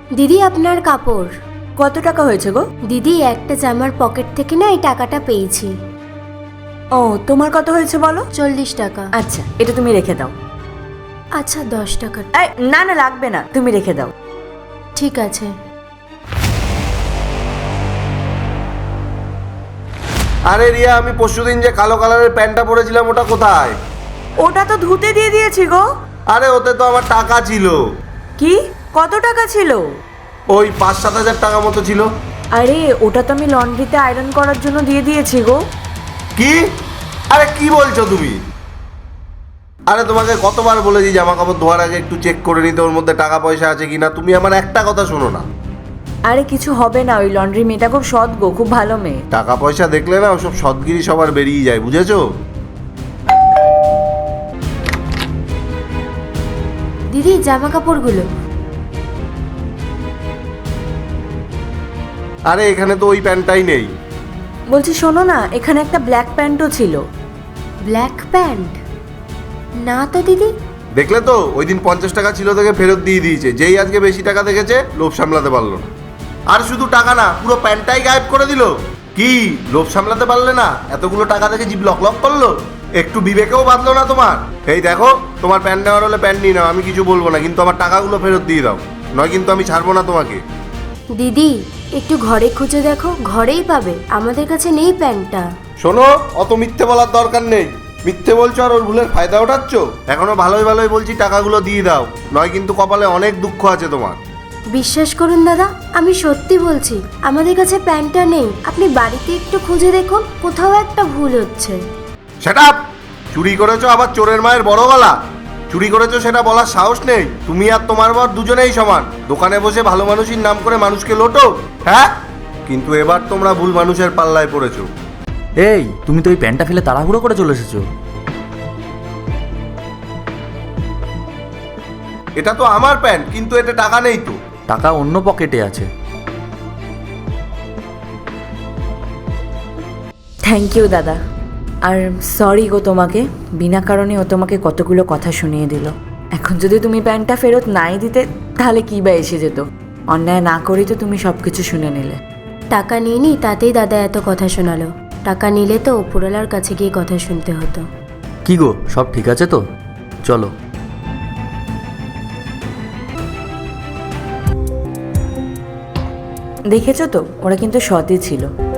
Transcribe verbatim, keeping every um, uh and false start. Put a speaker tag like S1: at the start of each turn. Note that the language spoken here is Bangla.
S1: দিদি আপনার কাপড়।
S2: কত টাকা হয়েছে গো?
S1: দিদি একটা জামার পকেট থেকে না এই টাকাটা পেয়েছি।
S2: ও, তোমার কত হয়েছে বলো?
S1: চল্লিশ টাকা।
S2: আচ্ছা, এটা তুমি রেখে দাও।
S1: আচ্ছা দশ টাকা।
S2: এই, না না লাগবে না, তুমি রেখে দাও।
S1: ঠিক আছে।
S3: আরে রিয়া, আমি পরশুদিন যে কালো কালারের প্যান্টটা পরেছিলাম ওটা কোথায়?
S2: ওটা তো ধুতে দিয়ে দিয়েছি গো।
S3: আরে ওতে তো আমার টাকা ছিল।
S2: কি? কত টাকা ছিল?
S3: ওই পাঁচ সাত হাজার টাকা মতো ছিল।
S2: আরে ওটা তো আমি লন্ড্রিতে আয়রন করার জন্য দিয়ে দিয়েছি গো।
S3: কি? আরে কি বলছো তুমি? আরে তোমাকে কতবার বলেছি জামা কাপড় ধোয়ার আগে একটু চেক করে নিতে ওর মধ্যে টাকা পয়সা আছে কিনা, তুমি আমার একটা কথা শোনো না।
S2: আরে কিছু হবে না, ওই লন্ড্রি মেয়েটা খুব সৎ গো, খুব ভালো মেয়ে।
S3: টাকা পয়সা দেখলে না ওসব সৎগিরি সবার বেরিয়ে যায়, বুঝেছো?
S1: দিদি জামা কাপড়গুলো।
S3: আরে এখানে তো ওই প্যান্টটাই নেই।
S2: বলছি শোনো না, এখানে একটা ব্ল্যাক প্যান্টও ছিল।
S1: Black pant? না তো দিদি।
S3: দেখলে তো, ওই দিন পঞ্চাশ টাকা ছিল থেকে ফেরত দিয়ে দিয়েছে। যেই আজকে বেশি টাকা দেখেছে লোভ সামলাতে পারলো না। আর শুধু টাকা না, পুরো প্যান্টটাই গায়েব করে দিল। কি লোভ সামলাতে পারলে না? এতগুলো টাকা দেখে জিভ লক লক করলো, একটু বিবেকেও বাঁধলো না তোমার? এই দেখো, তোমার প্যান্ট নেওয়ার হলে প্যান্ট নিয়ে নাও, আমি কিছু বলবো না, কিন্তু আমার টাকাগুলো ফেরত দিয়ে দাও, নয় কিন্তু আমি ছাড়বো না তোমাকে।
S1: দিদি একটু ঘরে খুঁজে দেখো, ঘরেই পাবে, আমাদের কাছে নেই প্যান্টটা।
S3: শোনো, অত মিথ্যে বলার দরকার নেই। মিথ্যে বলছো আর ওর ভুলের ফায়দা ওঠাচ্ছ। এখনো ভালোই ভালোই বলছি টাকাগুলো দিয়ে দাও, নয় কিন্তু কপালে অনেক দুঃখ আছে তোমার।
S1: বিশ্বাস করুন দাদা, আমি সত্যি বলছি, আমাদের কাছে প্যান্টটা নেই। আপনি বাড়িতে একটু খুঁজে দেখুন, কোথাও একটা ভুল হচ্ছে।
S3: Set up! চুরি করেছো আবার চোরের মায়ের বড় গলা। চুরি করেছো সেটা বলার সাহস নেই? তুমি আর তোমার বর দুজনেই সমান। দোকানে বসে ভালো মানুষের নাম করে মানুষকে লোটো, হ্যাঁ? কিন্তু এবার তোমরা ভুল মানুষের পাল্লায় পড়েছো।
S4: এই, তুমি তো ওই প্যান্টটা ফেলে তাড়াহুড়ো করে চলে এসেছো।
S3: এটা তো আমার প্যান্ট, কিন্তু এতে টাকা নেই তো।
S4: টাকা অন্য পকেটে আছে।
S2: থ্যাংক ইউ দাদা। আর সরি গো তোমাকে, বিনা কারণে ও তোমাকে কতগুলো কথা শুনিয়ে দিল। এখন যদি তুমি প্যান্টটা ফেরত নাই দিতে, তাহলে কি বা এসে যেত? অন্যায় না করেই তো তুমি সব কিছু শুনে নিলে।
S1: টাকা নিইনি, তাতেই দাদা এত কথা শোনালো। টাকা নিলে তো উপরওয়ালার কাছে গিয়ে কথা শুনতে হতো।
S4: কি গো, সব ঠিক আছে তো? চলো।
S2: দেখেছো তো, ওরা কিন্তু সৎই ছিল।